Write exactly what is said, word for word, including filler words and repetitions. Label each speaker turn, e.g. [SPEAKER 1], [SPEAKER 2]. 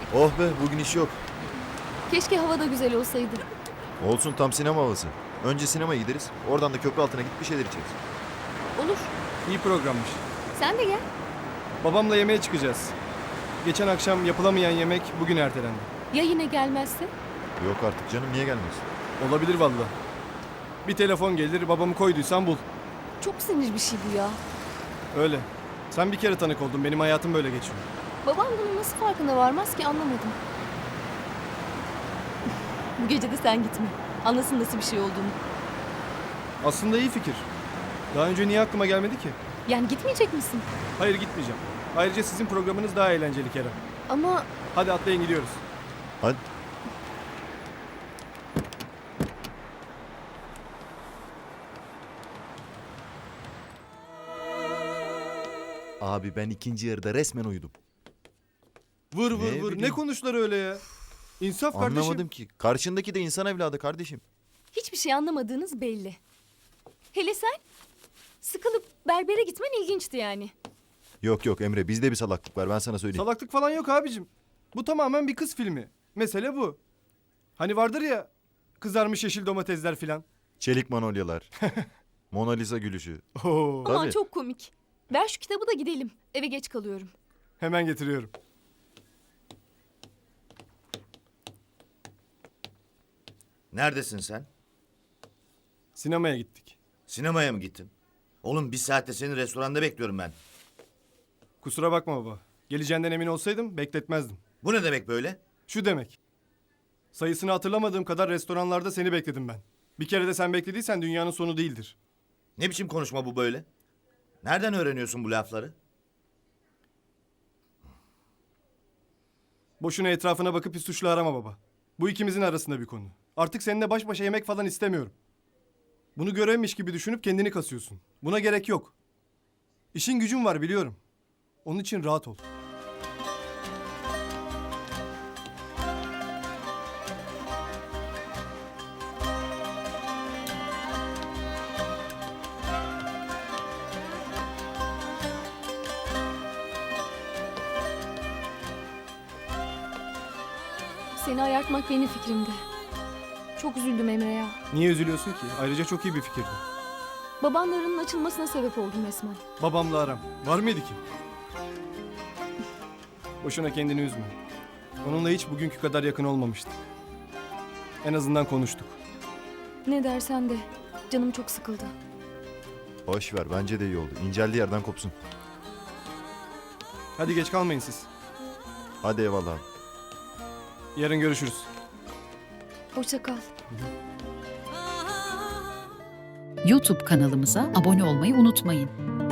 [SPEAKER 1] Oh be, bugün iş yok.
[SPEAKER 2] Keşke hava da güzel olsaydı.
[SPEAKER 1] Olsun, tam sinema havası. Önce sinemaya gideriz. Oradan da köprü altına gidip bir şeyler içeriz.
[SPEAKER 2] Olur.
[SPEAKER 3] İyi programmış.
[SPEAKER 2] Sen de gel.
[SPEAKER 3] Babamla yemeğe çıkacağız. Geçen akşam yapılamayan yemek bugün ertelendi.
[SPEAKER 2] Ya yine gelmezse?
[SPEAKER 1] Yok artık canım, niye gelmez?
[SPEAKER 3] Olabilir vallahi. Bir telefon gelir, babamı koyduysan bul.
[SPEAKER 2] Çok sinir bir şey bu ya.
[SPEAKER 3] Öyle. Sen bir kere tanık oldun, benim hayatım böyle geçiyor.
[SPEAKER 2] Babam bunun nasıl farkına varmaz ki anlamadım. Bu gece de sen gitme. Anlasın nasıl bir şey olduğunu.
[SPEAKER 3] Aslında iyi fikir. Daha önce niye aklıma gelmedi ki?
[SPEAKER 2] Yani gitmeyecek misin?
[SPEAKER 3] Hayır, gitmeyeceğim. Ayrıca sizin programınız daha eğlenceli Kerem.
[SPEAKER 2] Ama
[SPEAKER 3] Hadi atlayın, gidiyoruz.
[SPEAKER 1] Hadi. Abi ben ikinci yarıda resmen uyudum.
[SPEAKER 3] Vur vur
[SPEAKER 1] Ne
[SPEAKER 3] vur. Ne
[SPEAKER 1] bileyim.
[SPEAKER 3] konuştular öyle ya? İnsaf kardeşim.
[SPEAKER 1] Anlamadım ki. Karşındaki de insan evladı kardeşim.
[SPEAKER 2] hiçbir şey anlamadığınız belli. Hele sen sıkılıp berbere gitmen ilginçti yani.
[SPEAKER 1] Yok yok Emre, bizde bir salaklık var, ben sana söyleyeyim.
[SPEAKER 3] Salaklık falan yok abicim. Bu tamamen bir kız filmi. Mesele bu. Hani vardır ya, kızarmış yeşil domatesler filan.
[SPEAKER 1] Çelik manolyalar. Mona Lisa gülüşü.
[SPEAKER 3] Oo,
[SPEAKER 2] Aman
[SPEAKER 1] Tabii.
[SPEAKER 2] çok komik. Ver şu kitabı da gidelim. Eve geç kalıyorum.
[SPEAKER 3] hemen getiriyorum.
[SPEAKER 4] Neredesin sen?
[SPEAKER 3] Sinemaya gittik.
[SPEAKER 4] Sinemaya mı gittin? Oğlum bir saatte seni restoranda bekliyorum ben.
[SPEAKER 3] Kusura bakma baba. Geleceğinden emin olsaydım bekletmezdim.
[SPEAKER 4] Bu ne demek böyle?
[SPEAKER 3] Şu demek. Sayısını hatırlamadığım kadar restoranlarda seni bekledim ben. Bir kere de sen beklediysen dünyanın sonu değildir.
[SPEAKER 4] Ne biçim konuşma bu böyle? Nereden öğreniyorsun bu lafları?
[SPEAKER 3] Boşuna etrafına bakıp bir suçlu arama baba. Bu ikimizin arasında bir konu. Artık seninle baş başa yemek falan istemiyorum. Bunu görevmiş gibi düşünüp kendini kasıyorsun. Buna gerek yok. İşin gücün var biliyorum. Onun için rahat ol.
[SPEAKER 2] Seni ayartmak benim fikrimdi. Çok üzüldüm Emre ya.
[SPEAKER 3] Niye üzülüyorsun ki? Ayrıca çok iyi bir fikirdi.
[SPEAKER 2] Babanlarının açılmasına sebep oldum resmen.
[SPEAKER 3] Babamla aram. Var mıydı ki? Boşuna kendini üzme. Onunla hiç bugünkü kadar yakın olmamıştık. En azından konuştuk.
[SPEAKER 2] Ne dersen de canım çok sıkıldı.
[SPEAKER 1] Boş ver, bence de iyi oldu. İnceldiği yerden kopsun.
[SPEAKER 3] Hadi geç kalmayın siz.
[SPEAKER 1] Hadi eyvallah abi.
[SPEAKER 3] Yarın görüşürüz.
[SPEAKER 2] Hoşça kal.
[SPEAKER 5] YouTube kanalımıza abone olmayı unutmayın.